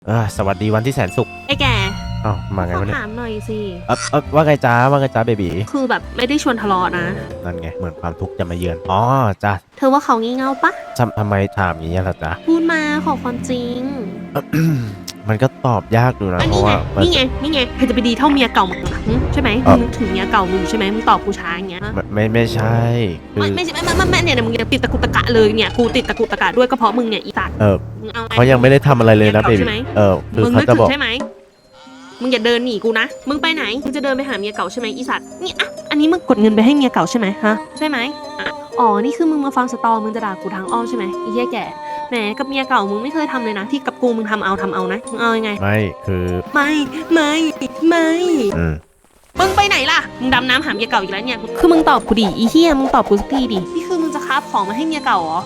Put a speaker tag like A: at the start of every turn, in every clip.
A: สวัสดีวันที่แสนสุข
B: ไอ้แก
A: อ้าวมาไง
B: ขอ
A: วะเนี่ย
B: ถามหน่อยสิ
A: ว่าไงจ้าว่าไงจ้าเบบี
B: คือแบบไม่ได้ชวนทะเลาะนะ
A: นั่นไงเหมือนความทุกข์จะมาเยือนจ้า
B: เธอว่าเขางี่เง่าปะ
A: ทำไมถามอย่างนี้ล่ะจ๊ะ
B: พูดมาขอความจริง
A: มันก็ตอบยากดูนะเพ
B: นี่
A: ราะ
B: ไง
A: ว่า
B: นี่ไงใครจะไปดีเท่าเมียเก่ามึงใช่ไหมมึงนึกถึงเมียเก่ามึงใช่ไหมมึงตอบกูช้าอย่างเงี้ย
A: ไม่ใช่คือ
B: ไม่ใช่ไม่เนี่ยมึงติดตะกุตะกะเลยเนี่ยกูติดตะกุตะกะด้วยก็เพราะมึงเนี่ยอีสัตว์มึงเอาไง
A: เขายังไม่ได้ทำอะไรเลยนะเบบีคือ
B: มึง
A: เขา
B: นึก
A: จะ
B: ถึ
A: บอก
B: งใช่ไหมมึงอย่าเดินหนีกูนะมึงไปไหนมึงจะเดินไปหาเมียเก่าใช่ไหมอีสัตว์นี่อ่ะอันนี้มึงกดเงินไปให้เมียเก่าใช่ไหมฮะใช่ไหมอ๋อนี่คือมึงมาฟังสตอมึงจะด่ากูทางอ้อมใช่ไหมอีเหี้ยแก่แหมกับเมียเก่ามึงไม่เคยทำเลยนะที่กับกูมึงทำเอานะมึงเอายังไง
A: ไม่คือ
B: ไม่มึงไปไหนล่ะมึงดำน้ำหาเมียเก่าอีกแล้วเนี่ยคือมึงตอบกูดิอีเหี้ยมึงตอบกูสักทีดินี่คือมึงจะคาบของมาให้เมียเก่าเหรอ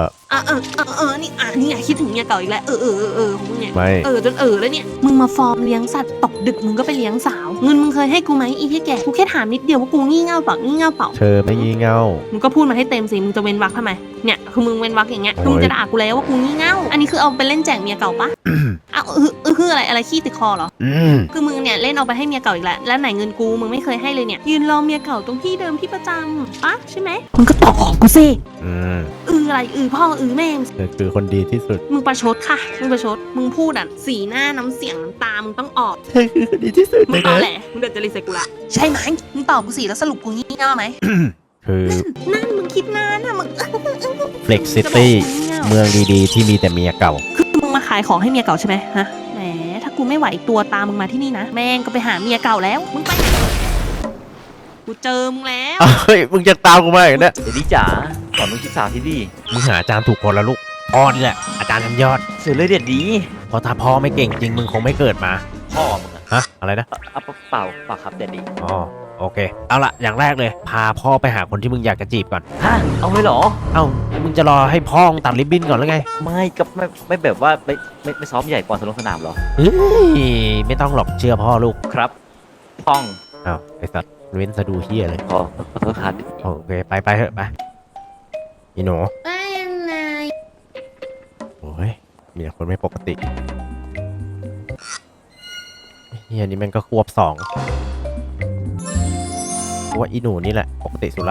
B: นี่ไงคิดถึงเมียเก่าอีกแล้วของมึงเนี่ย
A: ไม่
B: จนแล้วเนี่ยมึงมาฟอร์มเลี้ยงสัตว์ตกดึกมึงก็ไปเลี้ยงสาวเงินมึงเคยให้กูไหมอีเหี้ยแก่กูแค่ถามนิดเดียวว่ากูงี่เง่าเปล่า
A: เธอไม่งี่เง่า
B: มึงก็พูดมาให้เต็มสิมึงจะเว้นวรรคทำไมเนี่ยคือมึงเว้นวรรคอย่างเงี้ยคือมึงจะด่ากูแล้วว่ากูงี่เง่าอันนี้คือเอาไปเล่นแจกเมียเก่าปะคืออะไรขี้ติดคอเหรอคือมึงเนี่ยเล่นเอาไปให้เมียเก่าอีกแล้วไหนเงินกูมึงไม่เคยให้เลยเนี่ยยืนรอเมียเก่าตรงที่เดิมที่ประจำปะใช่ไหมมึงก็ตอบของกูสิอะไรพ่อแม่
A: เธอคือคนดีที่สุด
B: มึงประชดค่ะมึงประชดมึงพูดอ่ะสีหน้าน้ำเสียงน้ำตามึงต้องออก
A: เธอคือคนดีที่สุด
B: มึงตอบแหละมึงเดือดจะรีเซ็ตกูละใช่ไหมมึงตอบกูสิแล้วสรุปกูงี่เง่าไหม
A: คือ
B: นั่นมึงคิดนานอะมึง
A: Flex City เมืองดีๆที่มีแต่เมียเก่า
B: คือมึงมาขายของให้เมียเก่าใช่ไหมฮะแหมถ้ากูไม่ไหวตัวตามมึงมาที่นี่นะแม่งก็ไปหาเมียเก่าแล้วมึงไปกูเจอมึงแล้ว
A: เฮ้ยมึงจะตามกูมาอย่างเนี้ย
C: เดี๋ยวนี้จ๋าสอนลูกศึกษาที่ดี
A: มึงหาอาจารย์ถูกคนละลูกพ่อนี่แหละอาจารย์ชั้นยอด
C: เสือเลยเด็ดดี
A: เพราะถ้าพ่อไม่เก่งจริงมึงคงไม่เกิดมา
C: พ่อมึง
A: ฮะอะไรนะ
C: เปล่าครับเด็ดดี
A: โอเคเอาละอย่างแรกเลยพาพ่อไปหาคนที่มึงอยากจะจีบก่อน
C: ฮะเอาเลยเหรอ
A: มึงจะรอให้พ่อตัดริบบิ้นก่อนหรือไง
C: ไม่กับไม่แบบว่าไม่ซ้อมใหญ่ก่อนสนามเหรอ
A: ไม่ต้องหรอกเชื่อพ่อลูก
C: ครับพ่อง
A: ไอ้สัตว์เว้นสะดูเฮียเลย
C: ขอโทษครับ
A: โอเคไปเถอะไปอีหนูโอ้ยมีแต่คนไม่ปกติเฮียนี่มันก็ควบ2ว่าอีหนูนี่แหละปกติสุดละ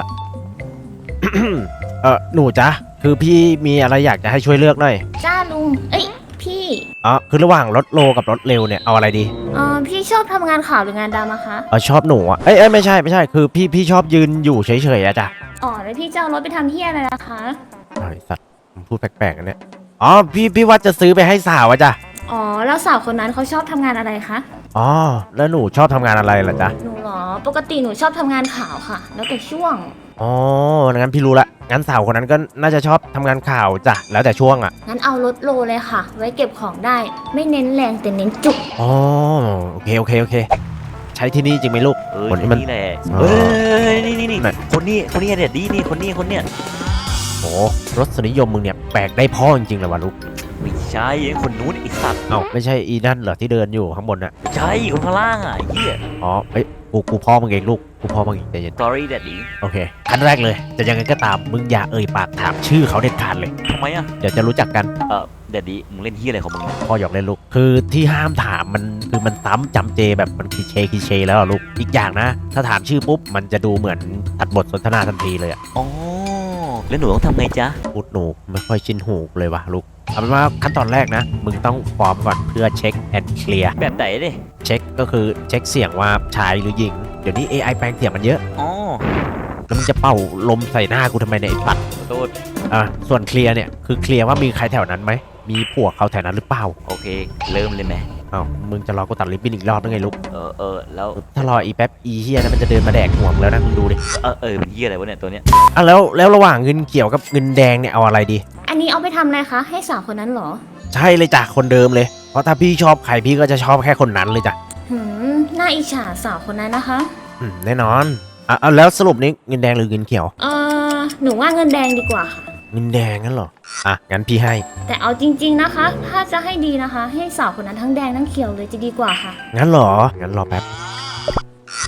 A: หนูจ๊ะคือพี่มีอะไรอยากจะให้ช่วยเลือกหน่อย
D: จ้าลุงพี่
A: คือระหว่างรถโลกับรถเร็วเนี่ยเอาอะไรดี
D: พี่ชอบทำงานข่าวหรืองานดำอะคะ
A: ชอบหนูอ่ะไม่ใช่คือพี่ชอบยืนอยู่เฉยๆอะจ้ะ
D: แล้วพี่จะเอารถไปทำเฮียอะไรล่ะคะ
A: ไอ้สัตว์พูดแปลกๆกันเนี่ยพี่ว่าจะซื้อไปให้สาวอะจ้ะ
D: แล้วสาวคนนั้นเขาชอบทำงานอะไรคะ
A: แล้วหนูชอบทำงานอะไรล่ะจ๊ะ
D: หนูเหรอปกติหนูชอบทำงานข่าวค่ะแล้วแต่ช่วง
A: งั้นพี่รู้ละงั้นสาวคนนั้นก็น่าจะชอบทำงานข่าวจ้ะแล้วแต่ช่วงอะ
D: งั้นเอารถโลเลยค่ะไว้เก็บของได้ไม่เน้นแรงแต่เน้นจุก
A: โอเคใช้ที่นี่จริงไหมลูก
C: คนที่มันนี่แหละนี่คนนี้เด็ดดีนี่คนนี้
A: โอ้รสนิยมมึงเนี่ยแปลกได้พ่อจริงๆเลยวะลูก
C: ไม่ใช่คนนู้นไอ้สัตว์
A: ไม่ใช่อีนั่นเหรอที่เดินอยู่ข้างบนน่ะ
C: ใช่คนข้างล่างอ่ะไอ้เหี้ย
A: กูพ่อมึงเองลูกกูพ่อมึงเองใจเย็น
C: sorry daddy
A: โอเคขั้นแรกเลยจะยังไงก็ตามมึงอย่าปากถามชื่อเขาเด็ดขาดเลย
C: ทำไม
A: เดี๋ยวจะรู้จักกัน
C: daddy มึงเล่นเหี้ยอะไรของมึง
A: พ่อหยอกเล่นลูกคือที่ห้ามถามมันคือมันซ้ำจำเจแบบมันคลีเช่แล้วลูกอีกอย่างนะถ้าถามชื่อปุ๊บมันจะดูเหมือนตัดบทสนทนาทันทีเลย
C: แล้วหนูต้องทำไงจ๊ะ
A: พูดหนูไม่ค่อยชินหูเลยวะลูกเอาเป็นว่าขั้นตอนแรกนะมึงต้องฟอร์มก่อนเพื่อเช็คแอนด์เคลียร์
C: แบบไหนดิ
A: เช็คก็คือเช็คเสียงว่าชายหรือหญิงเดี๋ยวนี้ AI แปลงเสียงมันเยอะแล้วมึงจะเป่าลมใส่หน้ากูทำไมเนี่ยไอ้ปัด
C: ขอโทษ
A: ส่วนเคลียร์เนี่ยคือเคลียร์ว่ามีใครแถวนั้นไหมมีผัวเขาแถวนั้นหรือเปล่า
C: โอเคเริ่มเลยไหม
A: มึงจะรอกูตัดริบบิ้นอีกรอบนึงไงลูก
C: แล้ว
A: ถ้ารออีแป๊บอีเฮียนะมันจะเดินมาแดกห่วงแล้วนะมึงดูดิ
C: เป็นเฮียอะไรวะเนี่ยตัวเนี้ย
A: แล้วระหว่างเงินเขียวกับเงินแดงเนี่ยเอาอะไรดี
D: อันนี้เอาไปทำอะไรคะให้สาวคนนั้นเหรอ
A: ใช่เลยจ้ะคนเดิมเลยเพราะถ้าพี่ชอบใครพี่ก็จะชอบแค่คนนั้นเลยจ้ะ
D: น่าอิจฉาสาวคนนั้นนะคะ
A: แน่นอนแล้วสรุปนี้เงินแดงหรือเงินเขียว
D: หนูว่าเงินแดงดีกว่าค่ะ
A: เงินแดงงั้นเหรองั้นพี่ให้
D: แต่เอาจริงๆนะคะถ้าจะให้ดีนะคะให้สาวคนนั้นทั้งแดงทั้งเขียวเลยจะดีกว่าค่ะ
A: งั้นเหรองั้นรอแป๊บ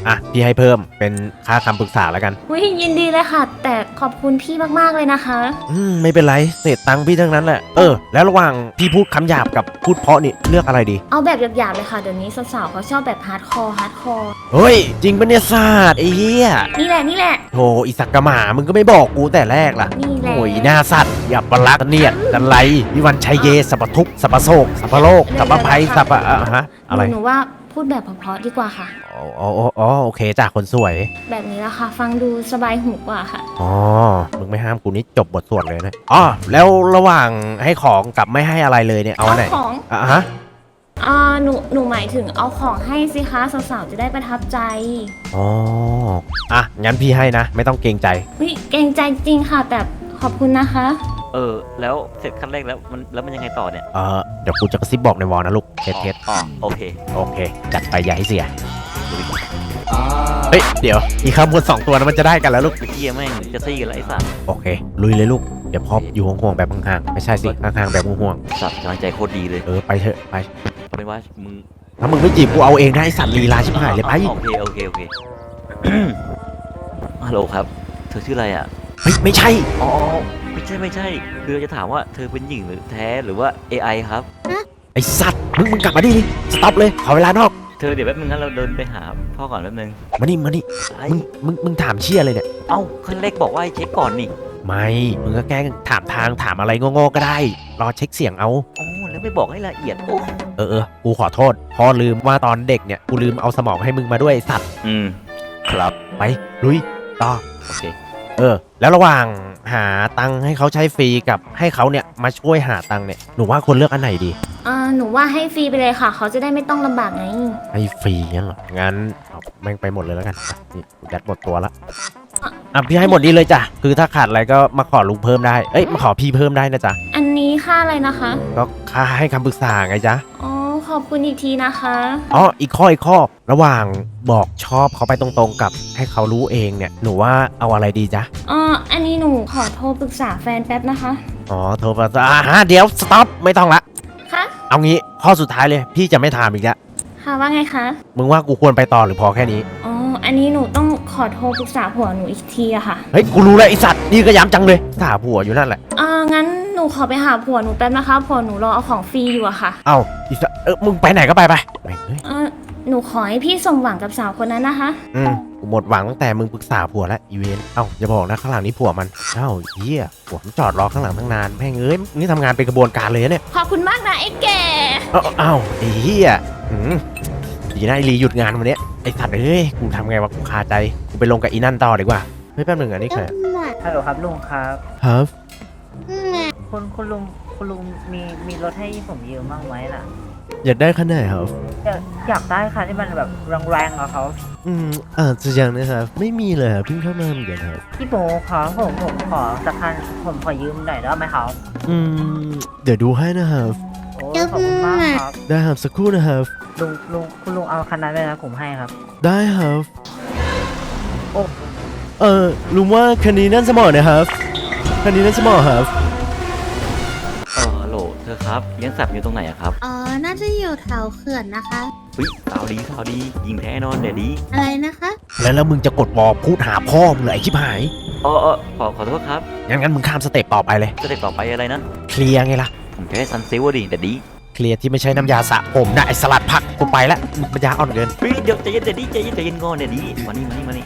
A: อ่ะพี่ให้เพิ่มเป็นค่าคำปรึกษาแล้วกัน
D: อุ้ยยินดีเลยค่ะ แต่ขอบคุณพี่มากๆเลยนะคะ
A: ไม่เป็นไรเศษตังค์พี่ทั้งนั้นแหละแล้วระหว่างพี่พูดคำหยาบกับพูดเพราะนี่เลือกอะไรดี
D: เอาแบบหยาบๆเลยค่ะเดี๋ยวนี้สาวๆเขาชอบแบบฮาร์ดคอร์
A: เฮ้ยจริงปะเนี่ยศาสตร์ไอ้เหี้ย
D: นี่แหละ
A: โธ่อีสักกะหมามึงก็ไม่บอกกูแต่แรกล่ะ
D: นี่แหละ
A: โอ้ยหน้าสัตว์อย่าปลักเนียดกันไรวิวันชัยเยสัพพทุกข์สัพพโศกสัพพโลกสัพพภัยสัพพฮะอะไร
D: หนูว่าพูดแบบเพราะๆดีกว่าค่ะ
A: อ๋อโอเคจ้ะคนสวย
D: แบบนี้ละค่ะ ฟังดูสบายหูกว่าค่ะ
A: อ๋อมึงไม่ห้ามกูนี่จบบทสวดเลยนะแล้วระหว่างให้ของกับไม่ให้อะไรเลยเนี่ยเอาอันไหน
D: ของ
A: ฮะ
D: หนูหมายถึงเอาของให้สิคะสาวๆจะได้ประทับใจ
A: งั้นพี่ให้นะ ไม่ต้องเกรงใจ
D: วิเกรงใจจริงค่ะ แต่ขอบคุณนะคะ
C: แล้วเสร็จขั้นแรกแล้วมันยังไงต่อเนี่ย
A: เดี๋ยวกูจะกระซิบบอกในวอลนะลูกเทส
C: โอเค
A: โอเค จัดไปอย่าให้เสีย เฮ้ย เดี๋ยว อีกคำพูด2ตัวนั้นมันจะได้กันแล้วลูก
C: ไอ้เหี้ยแม่งจะซี่กันแล้วไอ้สัตว์
A: โอเค ลุยเลยลูก เดี๋ยวพออยู่ห่วงๆแบบห่างๆไม่ใช่สิห่างๆแบบห่วง
C: สัตว์กำลังใจโคตรดีเลย
A: ๆไปเถอะไป
C: เอาเป็นว่ามึง
A: ถ้ามึงไม่จีบกูเอาเองได้ไอ้สัตว์ลีลาชิบหายเลยไป
C: โอเค ฮัลโหลครับ เธอชื่ออะไรอ่ะ
A: เฮ้ยไม่ใช่
C: อ๋อไม่ใช่คือจะถามว่าเธอเป็นหญิงหรือแท้หรือว่า AI ครับ
A: ไอ้สัตว์มึงกลับมาดิสต็อปเลยขอเวลานอก
C: เธอเดี๋ยวแป๊บนึงงั้นเราเดินไปหาพ่อก่อนแป๊บนึง
A: มานี่
C: ไอ้
A: มึงถามเชี่ยอะไรเนี่ย
C: เอ้าขั้นแรกบอกว่าให้เช็คก่อนนี่
A: ไม่มึงก็แกล้งถามทางถามอะไรโง่ๆก็ได้รอเช็คเสียงเอา
C: อ๋อแล้วไม่บอกให้ละเอียดโอ้
A: กูขอโทษพอลืมว่าตอนเด็กเนี่ยกูลืมเอาสมองให้มึงมาด้วยไอ้สัตว์
C: ครับ
A: ไปลุยต่อ
C: โอเค
A: แล้วระหว่างหาตังค์ให้เขาใช้ฟรีกับให้เขาเนี่ยมาช่วยหาตังค์เนี่ยหนูว่าควรเลือกอันไหนดี
D: หนูว่าให้ฟรีไปเลยค่ะ เขาจะได้ไม่ต้องลำบากไง
A: ให้ฟรีงั้นเหรองั้นเอาแม่งไปหมดเลยแล้วกันนี่กูยัดหมดตัวละพี่ให้หมดนี้เลยจ้ะคือถ้าขาดอะไรก็มาขอลุงเพิ่มได้มาขอพี่เพิ่มได้นะจ๊ะ
D: อันนี้ค่าอะไรนะคะ
A: ก็ค่าให้คำปรึกษาไงจ๊ะ
D: อ๋อ ขอบคุณอีกทีนะคะ
A: อีกข้อระหว่างบอกชอบเขาไปตรงๆกับให้เขารู้เองเนี่ยหนูว่าเอาอะไรดีจ๊ะ
D: อันนี้หนูขอโทรปรึกษาแฟนแป๊บนะคะ
A: โทรมาเดี๋ยวสต็อปไม่ต้องละ
D: คะ
A: เอางี้ข้อสุดท้ายเลยพี่จะไม่ถามอีกแล้ว
D: ค่ะว่าไงคะ
A: มึงว่ากูควรไปต่อหรือพอแค่นี้
D: อันนี้หนูต้องขอโทรปรึกษาผัวหนูอีกทีอะค่ะ
A: เฮ้ยกูรู้แล้วไอสัตว์นี่ก็ย้ำจังเลยถามผัวอยู่นั่นแหละ
D: งั้นหนูขอไปหาผัวหนูแป๊บนะคะ ผัวหนูรอเอาของฟรีอยู่อะค่ะ
A: อีสัตว์มึงไปไหนก็ไปแม่งเฮ้ย
D: หนูขอให้พี่สมหวังกับสาวคนนั้นนะคะ
A: กูหมดหวังตั้งแต่มึงปรึกษาผัวแล้วอีเวนอย่าบอกนะข้างหลังนี้ผัวมันเฮียผัวมันจอดรอข้างหลังตั้งนานแม่งเอ้ยนี่ทำงานเป็นกระบวนการเลยนะเนี่ย
D: ขอบคุณมากนะไอ้แก่
A: ไอ้เฮียดีนะไอรีหยุดงานวันเนี้ยไอสัตว์กูทำไงวะกูคาใจกูไปลงกับอีนั่นต่อดีกว่าเฮ้ยแป๊บหนึงอันนี้ใคร
E: ฮัลโหลครับลุงครับ
A: ครับ
E: คุณลุงมีรถให้ผมยืมบ้างไหมล่ะ
A: อยากได้คันไหนครับ
E: อยากได้ค่ะที่มันแบบแรงๆอะเขา
A: จะยังนะครับไม่มีเลยครับเพิ่งเข้ามาเหมือนกันครับ
E: พี่โบครับผมขอสักคันผมขอยืมหน่อยได้ไหมครับ
A: เดี๋ยวดูให้นะครับ
E: โอ้ขอบคุณมากครับ
A: ได้ครับสักครู่นะครับ
E: คุณลุงเอาคันนั้นไปนะผมให้ครับ
A: ได้ครับ
E: โอ้
A: ลุงว่าคันนี้นั่นสมอนะครับคันนี้นั่นสมอครับ
C: ฮัลโหลเธอครับเลี้ยงสัตว์อยู่ตรงไหนอะครับ
F: น่าจะอยู่แถวเขื่อนนะคะ
C: เฮ้ยสาวดียิงแท้นอนเดี๋ยวดี
F: อะไรนะคะ
A: แล้วมึงจะกดวอลพูดหาพ่อมึงเลยไอ้ชิบหาย
C: ขอโทษครับ
A: งั้นมึงข้ามสเต็ปต่อไปเลย
C: สเต็ปต่อไปอะไรนะ
A: เคลียร์ไงล่ะ
C: ผมจะให้ซันซิลดิเดี๋ยวดี
A: เคลียร์ที่ไม่ใช่น้ำยาสระผมนะไอ้สลัดผักกูไปแล้วมึงปัญญาอ่อนเกิน
C: เฮ้ยเดี๋ยวใจเย็นเดี๋ยวดีใจเย็นก่อนเดี๋ยวดีมานี่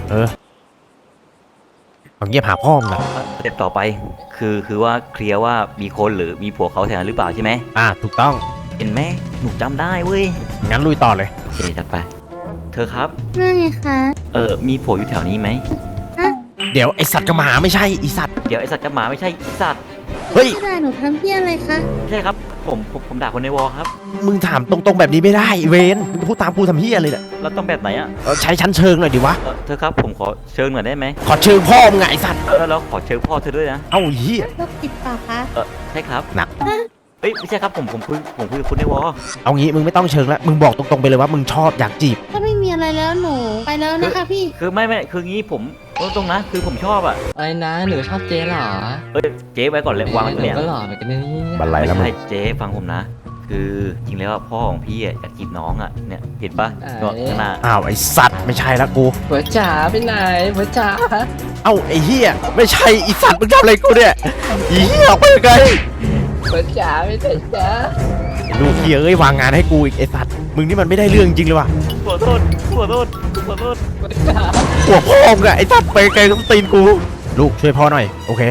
A: เอาเงียบหาพ่อมึงนะ
C: สเต็ปต่อไปคือว่าเคลียร์ว่ามีคนหรือมีผัวเขาแถวนั้นหรือเปล่าใช่ไหม
A: ถูกต้อง
C: เห็นไหมหนูจำได้เว้ย
A: งั้นลุยต่อเลย
C: โอเคจัดไป เธอครับ
F: นั่นไงคะ
C: มีผัวอยู่แถวนี้ไหม
A: เดี๋ยวไอสัตว์กับหมาไม่ใช่ไอสัตว์
C: เดี๋ยวไอสัตว์กับหมาไม่ใช่ไอ้สัตว์
A: เฮ้ย
F: พี่ด่าหนูทำเพี้ยอะไรคะ
C: ไม่ใช่ครับผมด่าคนในวอลครับ
A: มึงถามตรงๆแบบนี้ไม่ได้เวนมึงพูดตามกูทำเฮียเลยเนี่ย
C: เราต้องแบบไหนอ่ะ
A: ใช้ชั้นเชิงหน่อยดิวะ
C: เธอครับผมขอเชิญหน่อยได้ไหม
A: ขอเชิงพ่อมึงไงไอสัตว์
C: แล้วขอเชิญพ่อเธอด้วยนะ
A: เอ้าเฮีย
F: โรคจิตเปล่าคะ
C: ใช่ครับ
A: หนัก
C: เอ้ยไม่ใช่ครับผมคุยกับคุณในวอล
A: เอางี้มึงไม่ต้องเชิงแล้วมึงบอกตรงๆไปเลยว่ามึงชอบอยากจีบ
F: ถ้าไม่มีอะไรแล้วหนูไปแล้วนะคะพี่
C: คือไม่คืองี้ผมตรงนะคือผมชอบอ่ะ
G: อะไรนะหนูชอบเจ๊เหรอ
C: เจ๊ไว้ก่อนเลยวางไว้
G: หนู
C: เนี่ย
G: ก็หล่อเหมือนกันนะเนี่ย
A: บันไลแล้วมึง
C: ไม่ใช่เจ๊ฟังผมนะคือจริงแล้วอะพ่อของพี่อะอยากจีบน้องอะเนี่ยเห็นปะนอนข้างหน้า
A: อ้าวไอสัตว์ไม่ใช่ละกู
G: หัวจ๋าไปไหนหัวจ๋า
A: เอ้าไอเฮียไม่ใช่ไอสัตว์มึงทำอะไรกูเนี่ยอีเฮียออกไปไกล
G: หัวจ๋าไปไหนจ๊ะ
A: ลูกเฮียเอ้ยวางงานให้กูอีกไอสัตว์มึงนี่มันไม่ได้เรื่องจริงเลยว่ะ
C: ขอโทษขอโทษขอโทษ
G: หัวจ๋า
A: หัวพ่อมึงอะไอสัตว์ไปไกลต้องตีนกูลูกช่วยพ่อหน่อยโอเค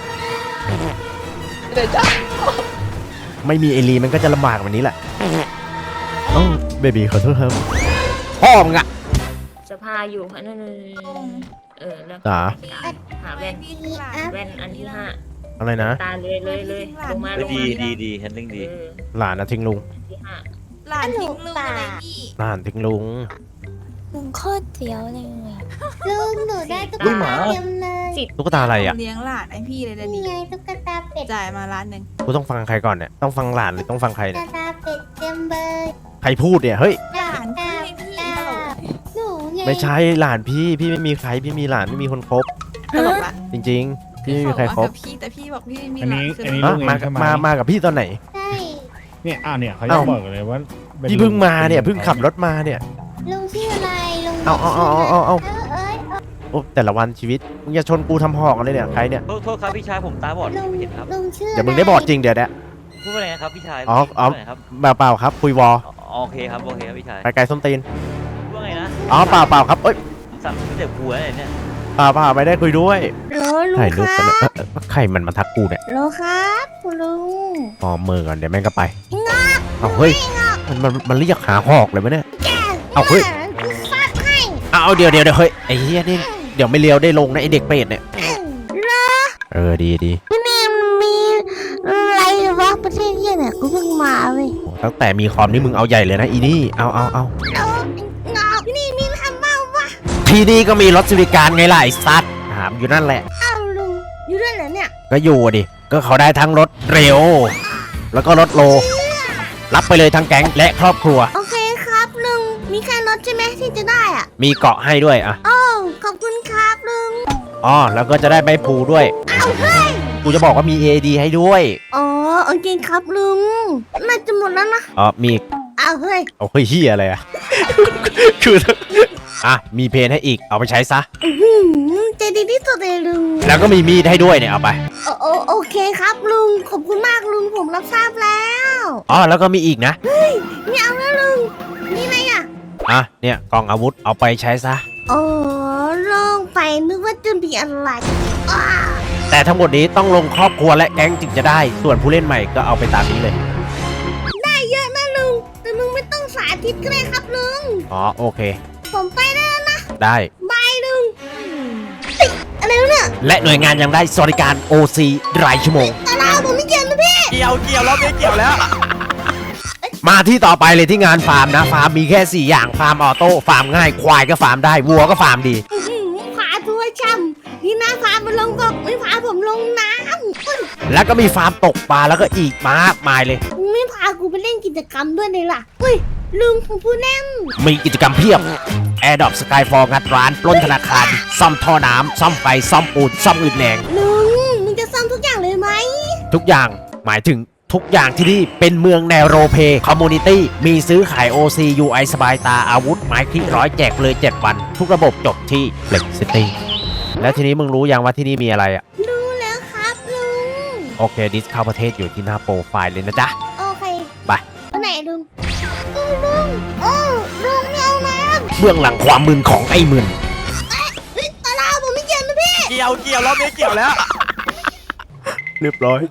G: ไปไหนจ๊ะ
A: ไม่มีเอลีมันก็จะลำบากแบบนี้แหละเอ้าเบบีขอโทษครับพ่อมึงอะ
D: จะพาอยู่อันนั้นแล้ว
A: จ๋า
D: หาแว่นแว่นอันที่ห้า
A: อะไรนะ
D: ตาเลยลงมา
C: เฮ้ยดีแฮนดิ้งดี
A: หลานนะทิ้งลุง
D: อันที่ห้า
H: หลานทิ้งลุงอะไรพี่
A: หลานทิ้งลุง
H: ลุงโคตรเจียวเลย
F: ลุงหนูได้ตุ๊ก
C: อุ้ยหมา
F: ตาเต็มเลย
A: ตุ๊กตาอะไรอะ
H: เลี้ยงหลานไอพี่เลยนะ
F: นี่
H: นี่
F: ไงตุ๊กตาเป็ด
H: จ่ายมา1,000,000
A: กูต้องฟังใครก่อนเนี่ยต้องฟังหลานหรือต้องฟังใคร
F: ตุ๊
A: เนี่ย
F: กตาเป็ดเต็มเลย
A: ใครพูดเนี่ยเฮ้ย
H: หลานพี่ไงพี่ตลก
F: หนูไง
A: ไม่ใช่หลานพี่ไม่มีใครพี่มีหลานไม่มีคนคบ
H: ตลกละ
A: จริงๆพี่ไม่มีใครคบ
H: กับพี่แต่พี่บอกพี่ไม่มี
I: อัน
H: หลา
I: นี้
H: นคือ
I: อันนี้
A: ฮะ
I: ลูกเอง
A: มา
I: ใช่ไหม
A: มากับพี่ตอนไหน
F: ใช่
I: เนี่ยเนี่ยเขาจะ
A: เอ้า
I: บอกเลยว่าป็น
A: พี่เพิ่งมาเนี่ยเพิ่งขับรถมาเนี่ย
F: ลุงชื่ออะไรลุง
A: เอา
F: เอ้ย
A: โอ้แต่ละวันชีวิตมึงอย่าชนกูทำหอกอะไรเนี่ยใครเนี่ย
C: โทษครับพี่ชายผมตาบอด
F: ลุง
C: ไม่เห็นครับ
F: ลุงชื่อ
A: เดี๋ยวมึงได้บอดจริงเดี๋ยวเนี่ย
C: พูดว่าไงนะครับพี่ชาย
A: อ๋อ
C: พูดว่าไงครับ
A: เปล่าครับคุยวอ
C: โอเคครับโอเคครับพี่ชาย
A: ไปไกลส้มตีน
C: พูดว่าไงนะ
A: อ๋อเปล่าครับเอ้ย
C: สั่งไม่เจ็บหัวเลยเนี่ย
A: เปล่าไม่ได้คุยด้วย
F: โลลุง
A: ถ่ายรูป
F: ค
A: กัน
F: รั
A: เนี่ย
F: บ
A: ใครมันมาทักกูเนี่ย
F: โลครับคุณลุง
A: อ๋อมือก่อนเดี๋ยวแม่งก็ไปเอาเฮ้ยมันเรียกหาหอกเลยไหมเนี่ยเอาเฮ้ย
F: ฟาดให้
A: เอาเดี๋ยวเฮ้ยไอ้เหี้ยนี่เดี๋ยวไม่เลี้ยวได้ลงนะไอ้เด็กเป็ดเนี่ยเออดี
F: นี่มีอะไรวะประเทศเยี่ยเนี่ยกูเพิ่งมาเว้ย
A: โอ้ตั้งแต่มีคอมนี่มึงเอาใหญ่เลยนะอีนี่เอา
F: แล้วงอกนี่มีทำเปล่าวะ
A: ที่นี่ก็มีรถบริการไงล่ะไอ้สัตว์ถามอยู่นั่นแหละ
F: อ้าวลุงอยู่ด้วยเหรอเนี่ย
A: ก็อยู่ดิก็เขาได้ทั้งรถเร็ว แล้วก็รถโล รับไปเลยทั้งแก๊งและครอบครัว
F: โอเคครับลุงมีแค่รถใช่ไหมที่จะได้อ่ะ
A: มีเกาะให้ด้วยอ่ะ
F: โอ้ขอบคุณครับลุง
A: อ๋อแล้วก็จะได้ใบพลูด้วย
F: เอาเฮ้ย
A: กูจะบอกว่ามี AD ให้ด้วย
F: อ๋อโอเคครับลุงน่าจะหมดแล้วนะ
A: อ๋อมี
F: เอาเฮ้ย
A: เอาเฮ้ยเฮียอะไรอ่ะ คืออ่ะมีเพนให้อีกเอาไปใช้ซะ
F: ใจดีที่สุดเลยลุง
A: แล้วก็มีมีดให้ด้วยเนี่ยเอาไป
F: โอเคครับลุงขอบคุณมากลุงผมรับทราบแล้ว
A: อ๋อแล้วก็มีอีกนะ
F: ไม่เอาแล้วลุงนี่ไงอ่ะ
A: อ่ะเนี่ยกล่องอาวุธเอาไปใช้ซะ
F: อ๋อลงไปนึกว่าจะมีอะไรอ้า
A: แต่ทั้งหมดนี้ต้องลงครอบครัวและแก๊งจึงจะได้ ส่วนผู้เล่นใหม่ก็เอาไปตามนี้เลย
F: ได้เยอะนะลุงแต่ลุงไม่ต้องสาธิตก็ได้ครับลุง
A: อ๋อโอเค
F: ผมไปแล้วนะ
A: ได้
F: บายลุงเฮ้ยอะไรวะเนี่ย
A: และหน่วยงานยังได้สวัสดิการ OC รายชั่วโมง
F: อะไรผมไม่เกี่ยวนะพี่
C: เกี่ยวแล้วไม่เกี่ยวแล้ว
A: มาที่ต่อไปเลยที่งานฟาร์มนะ ฟาร์มมีแค่ 4 อย่าง ฟาร์มออโต้ ฟาร์มง่าย ควายก็ฟาร์มได้ วัวก็ฟาร์มดี
F: พาทัวร์ช่ำนี่นะพามันลงกบไม่พาผมลงน้ำ
A: แล้วก็มีฟาร์มตกปลาแล้วก็อีกมากมายเลย
F: ไม่พากูไปเล่นกิจกรรมด้วยเลยล่ะเฮ้ยลุงผมพูดแน่
A: มีกิจกรรมเพียบ Airdrop Skyfall งัดร้าน ปล้นธนาคาร ซ่อมท่อน้ำ ซ่อมไฟ ซ่อมปูน ซ่อมอื่นแหนง
F: ลุงมึงจะซ่อมทุกอย่างเลยไหม
A: ทุกอย่าง หมายถึงทุกอย่างที่นี่เป็นเมืองแนวโรเพคอมมูนิตี้ มีซื้อขาย OC UI สบายตา อาวุธ ไม้คลิกร้อยแจกเลย 7 วัน ทุกระบบจบที่ Flex City แล้วทีนี้มึงรู้ยังว่าที่นี่มีอะไรอ่ะ
F: รู้แล้วครับลุง
A: โอเค ดิสเข้าประเทศอยู่ที่หน้าโปรไฟล์เลยนะจ๊ะ
F: โอเค
A: ไป
F: ไปไหนลุงลุงลุงไม่เอาน้
A: เบื้องหลังความมึนของไอ้มึน
F: ำเฮ้ยตาลาผมไม่เกี่ยวนะพี่
C: เกี่ยวแล้วไม่เกี่ยวแล้ว
A: เรียบร้อย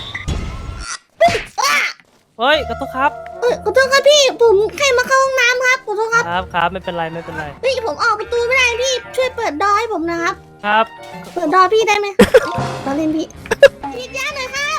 E: เฮ้ยกระตุกครับ
F: ขอโทษครับพี่ผมแค่มาเข้าห้องน้ำครับขอโทษครับ
E: ครับไม่เป็นไรไม่เป็นไร
F: พี่ผมออกประตูไม่ได้พี่ช่วยเปิดดอให้ผมนะครับ
E: ครับ
F: เปิดดอพี่ได้ไหม ตอนเล่นพี่พี่จ้าหน่อยครับ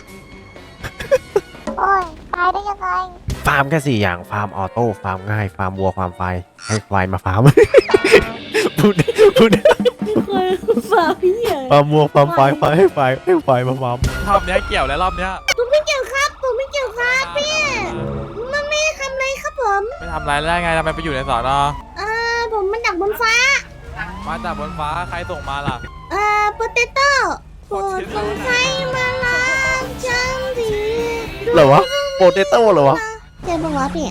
F: โอ้ยตายได้ยังไง
A: ฟาร์มแค่ 4 อย่าง ฟาร์มออโต้ ฟาร์มง่าย ฟาร์มวัว ฟาร์มไฟ ให้ควายมาฟาร์ม พูด
F: ฝากพี่ใหญ่
A: ฟาร์มวัว ฟาร์มไฟให้ควายมาฟาร์ม
C: รอบเนี้ยเกี่ยวแล้วรอบเนี้ย
F: ผมไม่เกี่ยวครับผมไม่เกี่ยวครับพี่มันไม่ได้ทำอะไรครับผม
J: ไม่ทำอะไรได้ไงทำไมไปอยู่ในสอนอ
F: ผมมาจากบนฟ้า
J: มาจากบนฟ้าใครส่งมาล่ะ
F: โปเตโต้โปรดลงไฟมาลางจังดี
A: เหรอวะ
F: ดู
A: โปเตโต้เหรอวะ
F: เจ็บปะวะพี่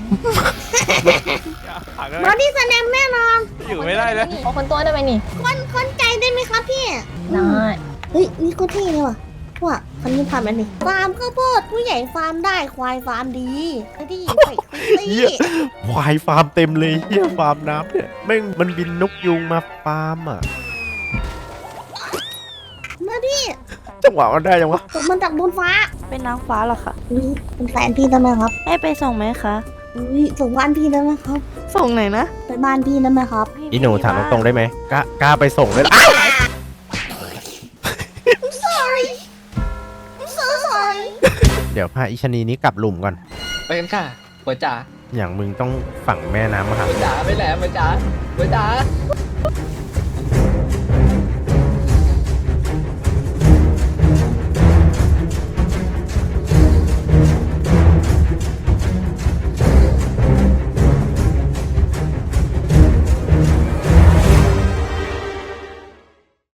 J: หัก
F: บอดี้สแนมแน่นอน
J: อยู่ไม่ได้เลย
D: ขอคนตัวได้ไหมนี่
F: คนใจได้ไหมครับพี่
D: ได้
F: เฮ้ยนี่ก็เท่เลยว่ะว่าคันนี้ทำอันนี้ฟาร์มข้าวโพดผู้ใหญ่ฟาร์มได้ควายฟาร์มดีไอ้ที่ใส่คุย
A: เหี้ยควายฟาร์มเต็มเลยเฮียฟาร์มน้ำเนี่ยแม่งมันบินนกยุงมาฟาร์มอ่ะ
F: มาพี่
A: จังหวะมันได้ยังวะ
F: ตกมันจากบนฟ้า
H: เป็นนางฟ้าเหรอคะ
F: นี่เป็นแฟนพี่ได้ไหมครับ
H: ให้ไปส่งไหมคะ
F: อุ้ยส่งบ้านพี่ได้ไหมครับ
H: ส่งไหนนะ
F: ไปบ้านพี่ได้ไหมครับ
A: อีหนูถามตรงๆได้ไหมกล้าไปส่งเลยล่ะ
F: sorry I'm so sorry
A: เดี๋ยวพาอิชนีนี้กลับหลุมก่อน
G: ไปกันค่ะหัวจ๋า
A: อย่างมึงต้องฝังแม่น้ำมาครับ
G: หัวจ๋าไปไหนหัวจ๋าหัวจ๋า